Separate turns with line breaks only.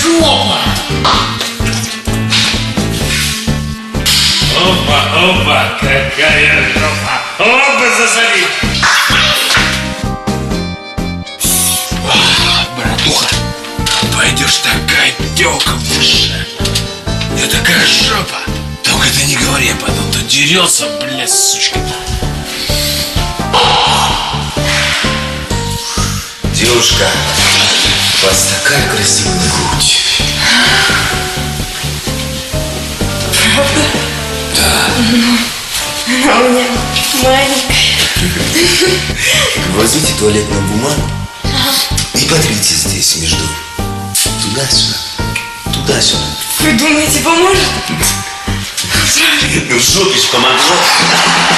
Опа! Опа, опа, какая жопа! Опа, засади!
Братуха, пойдешь такая тёлка в душе. Я такая жопа. Только ты не говори, я потом тут дерется, блядь, сучка.
Девушка, у вас такая красивая грудь.
Правда?
Да.
Она у меня маленькая.
Возьмите туалетную бумагу и потрите здесь между туда-сюда, туда-сюда.
Вы думаете, поможет?
Ну в жопе ж помогло.